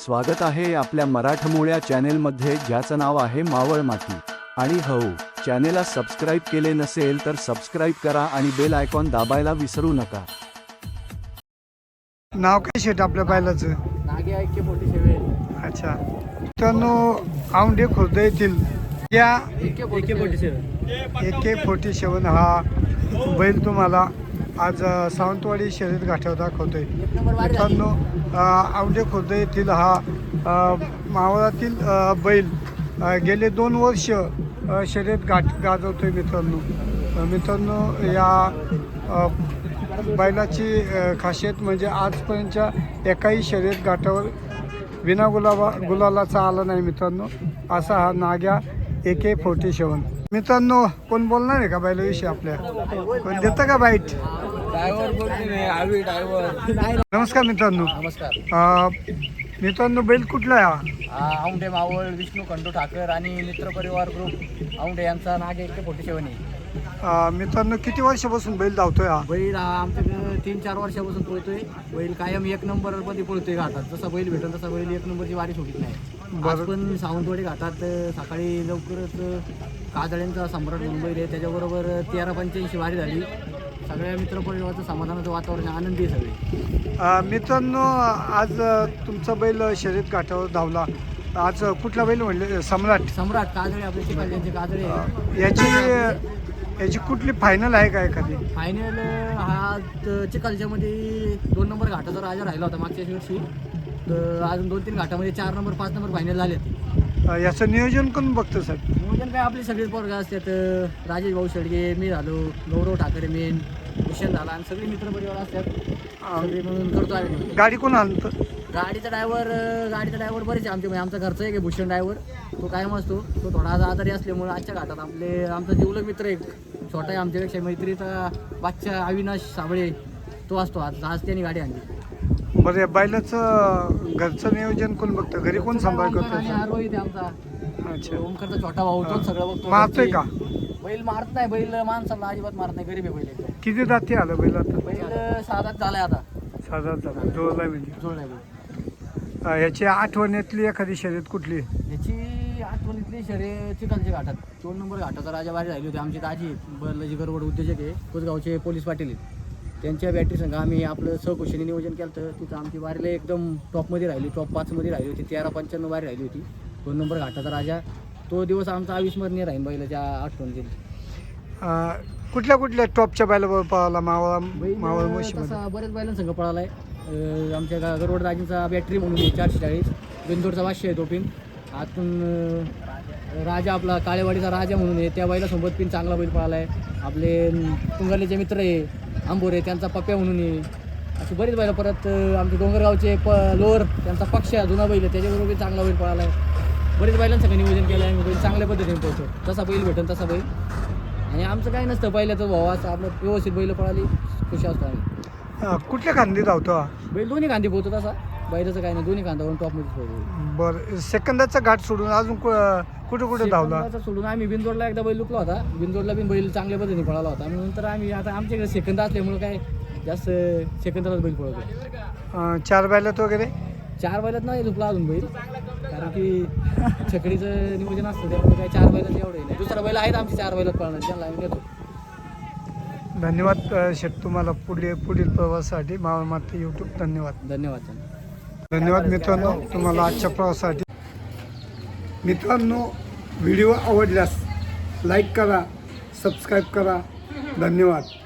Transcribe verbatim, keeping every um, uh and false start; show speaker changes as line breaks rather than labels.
स्वागत आहे आपल्या मराठमोळ्या चॅनेलमध्ये, ज्याचं नाव आहे मावळ माती. आणि हो, चॅनेलला सबस्क्राईब केले नसेल तर सबस्क्राईब करा आणि बेल आयकॉन दाबायला विसरू नका.
नाव काय शेट आपल्या बैलाचं?
नागे ऐके मोठी सेवेल.
अच्छा, मित्रांनो औंढे खुर्द येथील या
एके फोर्टी सेवन
ए के फोर्टी सेवन हा बैल तुम्हाला आज अ, सावंतवाडी शर्यत घाटावर दाखवतोय.
एक नंबर वारी झाली.
मित्रांनो अ, औंढे खुर्द येथील हा अ, मावळातील अ, बैल अ, गेले दोन वर्ष अ, शर्यत गाठ गाजवतोय मित्रांनो. अ, मित्रांनो या अ, बैलाची अ, खासियत म्हणजे आजपर्यंतच्या एकाही शर्यत घाटावर विना गुलाबा गुलालाचा आला नाही मित्रांनो. असा हा नाग्या ए के फोर्टी सेवन. मित्रांनो कोण बोलणार आहे का बैलाविषयी आपल्या? कोण देतं का बाईट?
ड्रायव्हर बोलते आवी ड्रायव्हर.
नमस्कार मित्रांनो.
नमस्कार.
अ, मित्रांनो बैल कुठला आहे हा?
हा, औंढे मावळ विष्णू खंडू ठाकर आणि मित्र परिवार ग्रुप औंढे यांचा नागे एके फोर्टी सेवन आहे.
अ, मित्रांनो किती वर्षापासून बैल धावतोय हा?
बैल हा आमच्याकडे तीन चार वर्षापासून पळतोय. बैल कायम एक नंबर मध्ये पळतोय घाटात. जसा बैल भेटेल तसा बैल एक नंबरची वारी सोडित नाही. आज पण सावंतवाडी घाटात अ, सकाळी लवकरच अ, काजळ्यांचा सम्राट म्हणून बैल आहे. त्याच्याबरोबर तेरा पंच्याऐंशी वारी झाली. सगळ्या मित्रपरिवाराचं समाधानाचं वातावरण, आनंदी आहे सगळे.
अ, मित्रांनो आज अ, तुमचा बैल शर्यत घाटावर धावला. आज कुठला बैल म्हणले? सम्राट.
सम्राट काजळे आपले चिखलचे काजळे.
अ, याची याची कुठली फायनल आहे का एखादी?
फायनल हा त- चिखलच्या मध्ये दोन नंबर घाटाचा राजा राहिला होता मागच्या वर्षी. तर अजून दोन तीन घाटामध्ये चार नंबर पाच नंबर फायनल झाले.
अ, याचं नियोजन कोण बघतं सर?
नियोजन काय आपले सगळेच पोरग असतात. राजेश भाऊ शेडगे, मी झालो, गौरव ठाकरे मेन, भूषण झाला आणि सगळे मित्रपरिवार असतात. सगळे म्हणून करतो आम्ही नियोजन.
गाडी कोण आणतं?
गाडीचा ड्रायव्हर गाडीचा ड्रायव्हर बरेच आहे आमचे. म्हणजे आमचा घरचा एक आहे भूषण ड्रायव्हर. तो कायम असतो. तो थोडा आज आजारी असल्यामुळे आजच्या घाटात आपले आमचा जिवलग मित्र एक छोटा आहे आमच्यापेक्षा, मैत्रीचा बादशा अविनाश साबळे, तो असतो. आज आज त्यांनी गाडी आणली.
बरं या बैलाचं घरचं नियोजन कोण बघतं? घरी कोण सांभाळ
ओमकार आणि
करतं?
हा रोहित आहे आमचा.
अच्छा,
ओमकारचा छोटा भाऊ, तो सगळं बघतो.
मारतोय का?
बैल मारत नाही. बैल माणसाला अजिबात मारत नाही. गरीब आहे बैल एकदम.
किती दाती आलं बैल आता?
बैल साधाच झालाय आता.
साधा झाला जोडला म्हणजे.
जोडलाय बैल.
अ, याची आठवणीतली एखादी शर्यत कुठली?
याची आठवणीतली शर्यत चिखलच्या घाटात दोन नंबर घाटाचा राजा बारी राहिली होती. आमची दाजी बर्लाजी गरवड उद्योजक आहे, कोसगावचे पोलीस पाटील आहेत. त्यांच्या बॅटरी संघ आम्ही आपलं सहकुशीने नियोजन केलं होतं. तिथं आमची वारीला एकदम टॉपमध्ये राहिली, टॉप पाचमध्ये राहिली होती. तेरा पंच्याण्णव वारी राहिली होती. दोन नंबर घाटाचा राजा. तो दिवस आमचा अविस्मरणीय राहील बैलाच्या आठवणीतील.
अ, कुठल्या कुठल्या टॉपच्या बैलाबरोबर पळाला मावळा मावळ
बैल
म्हशीमध्ये?
तसा बऱ्याच बैलांसंघ पळालाय. अं, आमच्या गा- गरवड राजांचा बॅटरी म्हणून आहे चारशे चाळीस. बिंदोडचा वाशे आहे तो पिन. आतून अं, राजा आपला काळेवाडीचा राजा म्हणून आहे, त्या बैलासोबत पिन चांगला बैल पळालाय. आपले अं, तुंगालेचे मित्र आहे आंबोरे, त्यांचा पप्प्या म्हणून आहे. असे बरेच बैल. परत अं, आमचे डोंगरगावचे प लोअर, त्यांचा पक्ष आहे जुना बैल आहे, त्याच्याबरोबर चांगला बैल पळालाय. बरेच बैलांसंग नियोजन केलं आहे. बैल चांगल्या पद्धतीने पोहोचतो. जसा बैल भेटेल तसा बैल. आणि आमचं काही नसतं, पहिल्याचं भाऊ असं आपलं व्यवस्थित बैल पळाली खुशी असतो आम्ही.
अ, कुठल्या खांदी धावतो हा?
बैल दोन्ही कांदी पोहतो तसा. बैलाचं काही नाही, दोन्ही कांदावरून टॉपमध्येच पोहतो.
बरं, सेकंदाचा घाट सोडून अजून कु- कुठं कुठं धावला?
सेकंदाचा सोडून आम्ही बिंदोडला एकदा बैल लुकला होता. बिंदोडला पण बैल चांगल्या पद्धतीने पळाला होता. आणि नंतर आम्ही आता आमच्याकडे सेकंद असल्यामुळे काय जास्त सेकंदालाच बैल पळवतो.
अ, चार बैलात वगैरे?
चार बैलात नाही झुकला अजून बैल, कारण की छकडीचं नियोजन असतं, त्यामुळे काय चार बैलात एवढं नाही. दुसरा बैल आहेत आमचे चार बैलात पळणार, त्यांना आम्ही देतो.
धन्यवाद अ, शेठ तुम्हाला पुढे पुढील प्रवासासाठी मावळ माती यूट्यूब. धन्यवाद.
धन्यवाद.
धन्यवाद मित्रांनो तुम्हाला आजच्या प्रवासासाठी. मित्रांनो व्हिडिओ आवडल्यास लाईक करा, सबस्क्राईब करा. धन्यवाद.